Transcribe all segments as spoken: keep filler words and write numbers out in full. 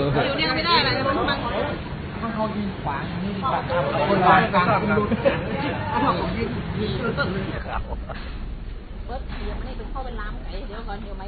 อยู่เนี่ยไม่ได้อะไรมันมันมันเขายิงขวางนี่ดีกว่าคนวางกลางคุณดูยิงยิงครับเบิร์ดเดี๋ยวไม่ได้เข้าเป็นล้ำไก่เดี๋ยวก่อนเดี๋ยวไหม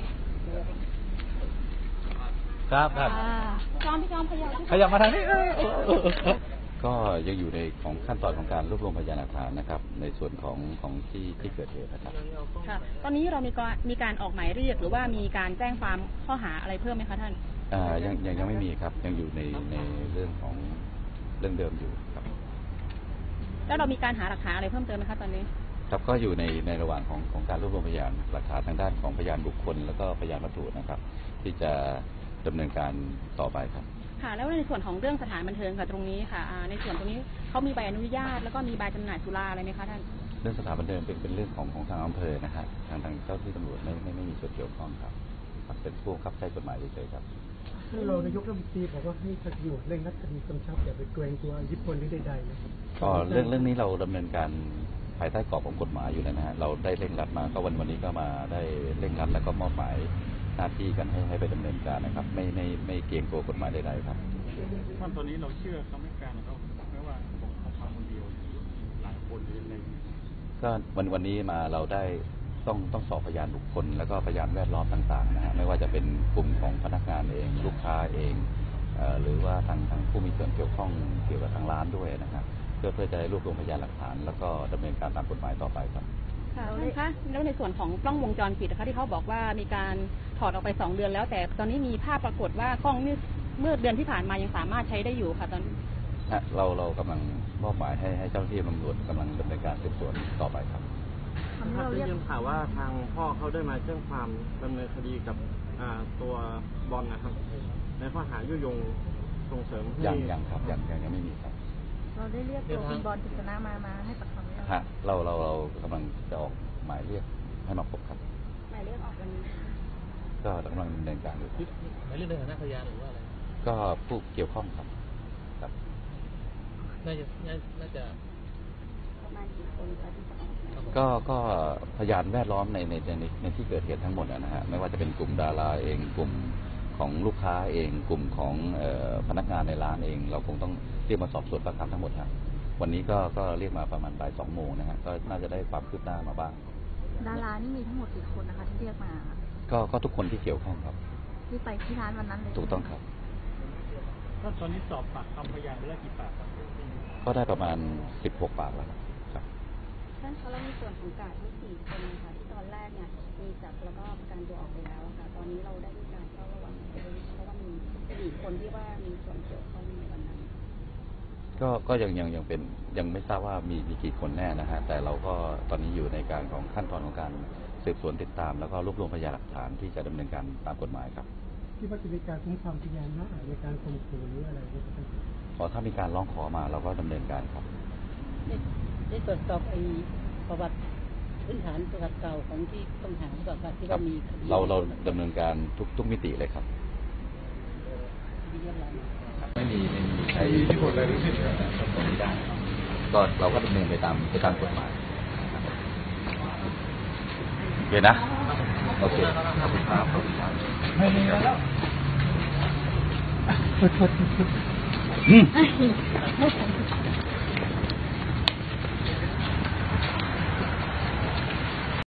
ครับครับจอมพี่จอมขยับขยับมาทางนี้ก็ยังอยู่ในของขั้นตอนของการรวบรวมพยานหลักฐานนะครับในส่วนของของที่ที่เกิดเหตุนะครับค่ะตอนนี้เรามีการมีการออกหมายเรียกหรือว่ามีการแจ้งความข้อหาอะไรเพิ่มไหมคะท่านอ่ายังยังยังไม่มีครับยังอยู่ในในเรื่องของเรื่องเดิมอยู่ครับแล้วเรามีการหาหลักฐานอะไรเพิ่มเติมไหมคะตอนนี้ครับก็อยู่ในในระหว่างของของการรวบรวมพยานหลักฐานทางด้านของพยานบุคคลแล้วก็พยานวัตถุนะครับที่จะดำเนินการต่อไปครับค่ะแล้วในส่วนของเรื่องสถานบันเทิงค่ะตรงนี้ค่ะในส่วนตรงนี้เขามีใบอนุญาตแล้วก็มีใบจำหน่ายสุราอะไรไหมคะท่านเรื่องสถานบันเทิงเป็นเป็นเรื่องของของทางอำเภอนะฮะทางทางเจ้าที่ตำรวจไม่ไม่ไม่มีส่วนเกี่ยวข้องครับเป็นผู้ขับใช้กฎหมายเฉยๆครับเรานายกรัฐมนตรีบอกว่าให้ตำรวจเร่งรัดคดีกำชับอย่าไปเกรงกลัวอิทธิพลหรือใดๆนะครับก็เรื่องเรื่องนี้เราดำเนินการภายใต้กรอบของกฎหมายอยู่แล้วนะฮะเราได้เร่งรัดมาก็วันวันนี้ก็มาได้เร่งรัดแล้วก็มอบหมายหน้าที่กันให้ให้ไปดำเนินการนะครับไม่ไม่ไม่เกรงกลัวกฎหมายใดๆครับท่านตอนนี้เราเชื่อคำให้การเขาไม่ว่าบอกเขาทำคนเดียวหลายคนหรืออะไรก็วันวันนี้มาเราได้ต้องต้องสอบพยานบุคคลแล้วก็พยานแวดล้อมต่างๆนะฮะไม่ว่าจะเป็นกลุ่มของพนักงานเองลูกค้าเองเอ่อหรือว่าทางทางผู้มีส่วนเกี่ยวข้องเกี่ยวกับทางร้านด้วยนะครับเพื่อเพื่อจะรวบรวมพยานหลักฐานแล้วก็ดำเนินการตามกฎหมายต่อไปครับค่ะนะคะแล้วในส่วนของกล้องวงจรปิดนะคะที่เขาบอกว่ามีการถอดออกไปสองเดือนแล้วแต่ตอนนี้มีภาพปรากฏว่ากล้องนี่เมื่อเดือนที่ผ่านมายังสามารถใช้ได้อยู่ค่ะตอนเราเรากำลังมอบหมายให้ให้เจ้าหน้าที่ตำรวจกำลังดำเนินการสืบสวนต่อไปครับเราได้ยินข่าวว่าทางพ่อเขาได้มาแจ้งความดำเนินคดีกับตัวบอลนะครับในข้อหายุยงส่งเสริมยังยังครับยังยังยังไม่มีครับเราได้เรียกตัวคุณบอลกฤษณะมามาให้ปากคำไหมฮะเราเราเรากำลังจะออกหมายเรียกให้มาพบครับหมายเรียกออกวันนี้ก็กำลังดำเนินการอยู่หมายเรียกในฐานะพยานหรือว่าอะไรก็ผู้เกี่ยวข้องครับครับน่าจะน่าจะประมาณกี่คนคะที่จะออกก็ก็พยานแวดล้อมในในในในที่เกิดเหตุทั้งหมดนะฮะไม่ว่าจะเป็นกลุ่มดาราเองกลุ่มของลูกค้าเองกลุ่มของพนักงานในร้านเองเราคงต้องเรียกมาสอบสวนปากคำทั้งหมดครับวันนี้ก็ก็เรียกมาประมาณบ่ายสองโมงนะฮะก็น่าจะได้ความคืบหน้ามาบ้างดารานี่มีทั้งหมดกี่คนนะคะที่เรียกมาก็ก็ทุกคนที่เกี่ยวข้องครับที่ไปที่ร้านวันนั้นเลยถูกต้องครับก็ตอนนี้สอบปากคำพยานไปแล้วกี่ปากครับก็ได้ประมาณสิบหกปากแล้วครับท่านคะแล้วในส่วนของกาดทั้งสี่คนนะคะที่ตอนแรกเนี่ยมีจับแล้วก็การตัวออกไปแล้วค่ะตอนนี้เราได้มีการเฝ้าระวังเพราะว่ามีสี่คนที่ว่ามีส่วนเกี่ยวข้องในวันนั้นก็ก็ยังยังยังเป็นยังไม่ทราบว่ามีมีกี่คนแน่นะฮะแต่เราก็ตอนนี้อยู่ในการของขั้นตอนของการสืบสวนติดตามแล้วก็รวบรวมพยานหลักฐานที่จะดำเนินการตามกฎหมายครับที่ว่าจะมีการคุ้มครองพยานนะในการข่มขู่หรืออะไรพอถ้ามีการร้องขอมาเราก็ดำเนินการครับได้ตรวจสอบไอ้ประวัติพื้นฐานประวัติเก่าของที่ต้องหาประวัติที่ว่ามีเราเราดำเนินการทุกทุกมิติเลยครับไม่มีไม่มีใครที่คนอะไรรู้สึกไม่ได้ก็เราก็ดำเนินไปตามไปตามกฎหมายโอเคนะโอเคขอบคุณครับขอบคุณครับไม่มีแล้วอืม